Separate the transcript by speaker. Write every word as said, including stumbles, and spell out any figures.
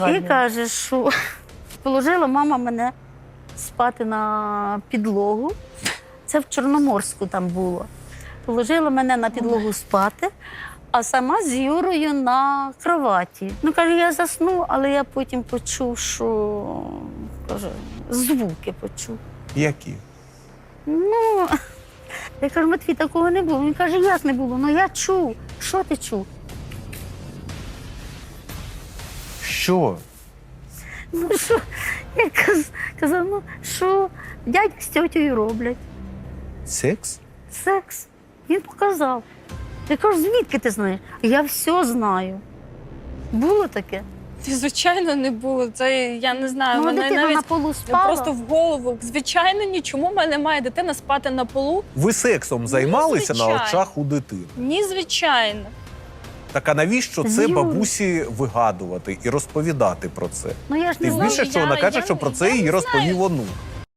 Speaker 1: І каже, що положила мама мене спати на підлогу. Це в Чорноморську там було. Положила мене на підлогу спати, а сама з Юрою на кроваті. Ну, каже, я засну, але я потім почув, що, каже, звуки почув.
Speaker 2: Які?
Speaker 1: Ну, я кажу, Матвій, такого не було. Він каже, як не було? Ну, я чув. Що ти чув?
Speaker 2: Що?
Speaker 1: Ну, що? Я каз- казав, ну, що дядя з тьотею роблять?
Speaker 2: Секс?
Speaker 1: Секс. Він показав. Я кажу, звідки ти знаєш? Я все знаю. Було таке?
Speaker 3: Звичайно, не було. Це я не знаю.
Speaker 1: Ну,
Speaker 3: мене
Speaker 1: дитина
Speaker 3: навіть
Speaker 1: на полу спала.
Speaker 3: просто в голову. Звичайно, ні. Чому в мене має дитина спати на полу?
Speaker 2: Ви сексом займалися на
Speaker 3: звичайно.
Speaker 2: очах у дитини?
Speaker 3: Ні, звичайно.
Speaker 2: Так а навіщо
Speaker 1: З
Speaker 2: це
Speaker 1: Юрою.
Speaker 2: бабусі вигадувати і розповідати про це?
Speaker 1: Ну, я ж не
Speaker 2: Тим
Speaker 1: знаю.
Speaker 2: більше, що вона
Speaker 3: я-
Speaker 2: каже,
Speaker 3: я
Speaker 2: що
Speaker 3: не-
Speaker 2: про це
Speaker 3: я
Speaker 2: їй
Speaker 3: не
Speaker 2: розповів
Speaker 3: знаю.
Speaker 2: онук.